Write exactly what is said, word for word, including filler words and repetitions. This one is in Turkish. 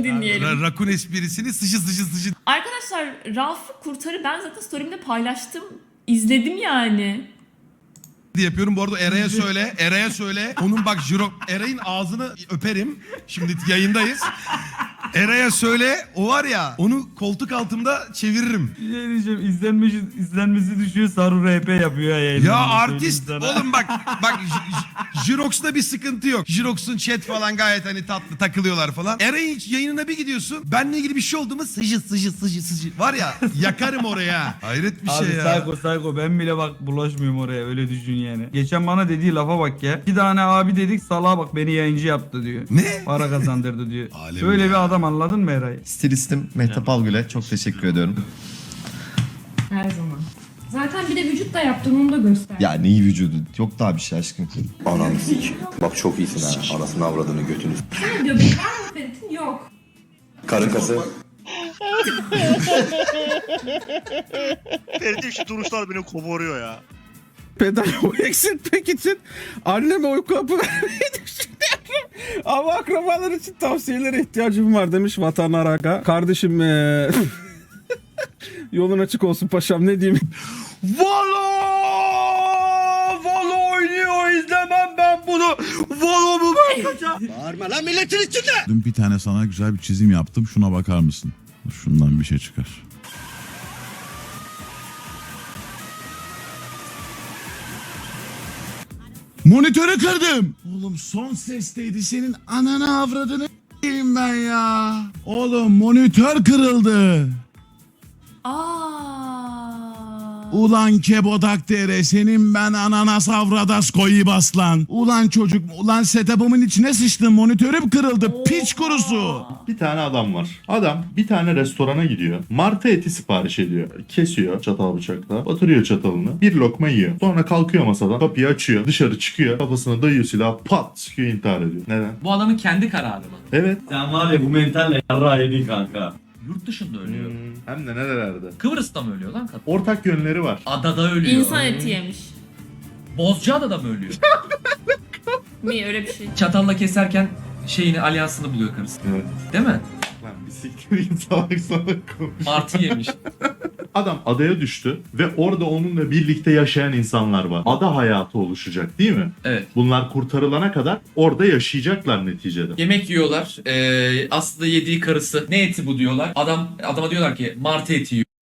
Onu dinleyelim. Ra- rakun esprisini sıcı sıcı sıcı Arkadaşlar Rafı Kurtar'ı ben zaten story'imde paylaştım. İzledim yani. diye yapıyorum. Bu arada Eray'a söyle, Eray'a söyle. Onun bak jiro, Eray'ın ağzını öperim. Şimdi yayındayız. Eray'a söyle, o var ya, onu koltuk altımda çeviririm. Bir şey diyeceğim, izlenmesi, izlenmesi düşüyor, Saru R P yapıyor yayında. Ya artist oğlum bak bak J- J- Jirox'ta bir sıkıntı yok. Jirox'un chat falan gayet hani tatlı takılıyorlar falan. Eray'ın yayınına bir gidiyorsun. Benle ilgili bir şey oldu mu sıcı sıcı sıcı sıcı. Var ya yakarım oraya. Hayret bir Abi şey ya. psycho psycho, ben bile bak bulaşmıyorum oraya, öyle düşün yani. Geçen bana dediği lafa bak ya. Bir tane abi dedik, salağa bak beni yayıncı yaptı diyor. Ne? Para kazandırdı diyor. Alem Böyle ya. bir adam, anladın mı Eray? Stilistim Mehtap Algül'e çok teşekkür ediyorum. Her zaman. Zaten bir de vücut da yaptın, onu da göster. Ya neyi vücudu? Yok daha bir şey aşkım. Ananı sik. Bak çok iyisin ha. Anasını avradını götünü. Sana diyor, benim var mı Ferit'in? Yok. Karın kası. Ferit'in şu duruşlar beni koparıyor ya. Pedal eksiltmek için anneme uyku hapı vermeyi düşünüyorum. Ama akrabalar için tavsiyelere ihtiyacım var demiş Vatan Araka. Kardeşim ee... yolun açık olsun paşam, ne diyeyim. Valo! Valo oynuyor, izlemem ben bunu. Valo mu ben? Dün bir tane sana güzel bir çizim yaptım. Şuna bakar mısın? Şundan bir şey çıkar. Monitörü kırdım. Oğlum son sesteydi, senin ananı avradını s**eyim ben ya. Oğlum monitör kırıldı. Aa. Ulan Kebodak dere, senin ben ananas avradas koyu baslan. Ulan çocuk, ulan setup'ımın içine sıçtın, monitörüm kırıldı, piç kurusu. Bir tane adam var. Adam bir tane restorana gidiyor. Martı eti sipariş ediyor. Kesiyor çatal bıçakla. Batırıyor çatalını. Bir lokma yiyor. Sonra kalkıyor masadan. Kapıyı açıyor. Dışarı çıkıyor. Kafasına dayıyor silahı. Pat sıkıyor, intihar ediyor. Neden? Bu adamın kendi kararı mı? Evet. Sen var ya bu mentalle yarrağı yedin kanka. Yurt dışında ölüyor. Hmm, hem de nerelerde. Kıbrıs'ta mı ölüyor lan kadın? Ortak yönleri var. Adada ölüyor. İnsan eti yemiş. Bozcaada'da mı ölüyor? Mi öyle bir şey. Çatalla keserken şeyini, alyansını buluyor karısı. Evet. Değil mi? Lan bir siktir git, salak salak konuş. Martı yemiş. Adam adaya düştü ve orada onunla birlikte yaşayan insanlar var. Ada hayatı oluşacak değil mi? Evet. Bunlar kurtarılana kadar orada yaşayacaklar neticede. Yemek yiyorlar. Ee, aslında yediği karısı. Ne eti bu diyorlar. Adam adama diyorlar ki martı eti yiyor.